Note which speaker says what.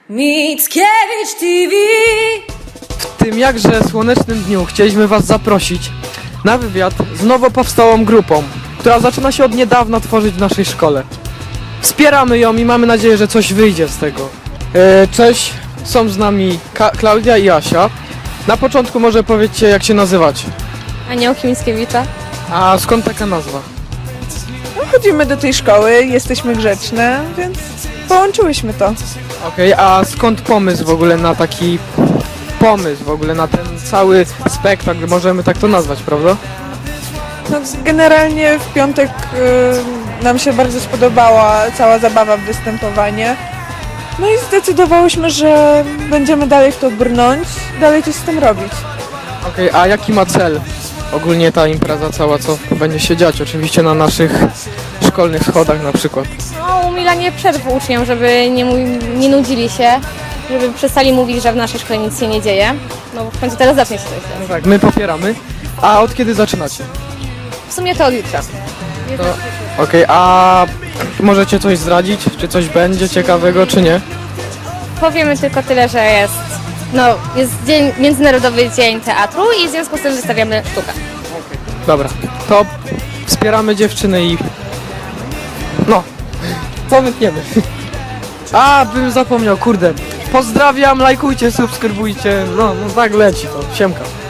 Speaker 1: Mickiewicz TV.
Speaker 2: W tym jakże słonecznym dniu chcieliśmy Was zaprosić na wywiad z nowo powstałą grupą, która zaczyna się od niedawna tworzyć w naszej szkole. Wspieramy ją i mamy nadzieję, że coś wyjdzie z tego. Cześć, są z nami Klaudia i Asia. Na początku może powiedzcie, jak się nazywacie.
Speaker 3: Aniołki Mickiewicza.
Speaker 2: A skąd taka nazwa?
Speaker 4: No, chodzimy do tej szkoły, jesteśmy grzeczne, więc połączyłyśmy to.
Speaker 2: Okej, a skąd pomysł w ogóle na taki pomysł, w ogóle na ten cały spektakl, możemy tak to nazwać, prawda?
Speaker 4: No, generalnie w piątek nam się bardzo spodobała cała zabawa w występowanie. No i zdecydowałyśmy, że będziemy dalej w to brnąć, dalej coś z tym robić.
Speaker 2: Okej, a jaki ma cel ogólnie ta impreza cała, co będzie się dziać? Oczywiście na naszych szkolnych schodach na przykład.
Speaker 3: No, umilanie przerw uczniom, żeby nie nudzili się, żeby przestali mówić, że w naszej szkole nic się nie dzieje. No w końcu teraz zacznie się coś dziać.
Speaker 2: No tak, my popieramy. A od kiedy zaczynacie?
Speaker 3: W sumie to od jutra.
Speaker 2: Okej, a możecie coś zdradzić? Czy coś będzie ciekawego, czy nie?
Speaker 3: Powiemy tylko tyle, że jest Międzynarodowy Dzień Teatru i w związku z tym wystawiamy sztukę.
Speaker 2: Dobra, to wspieramy dziewczyny i... No, co wytniemy? A, bym zapomniał, kurde. Pozdrawiam, lajkujcie, subskrybujcie. No tak leci to. Siemka.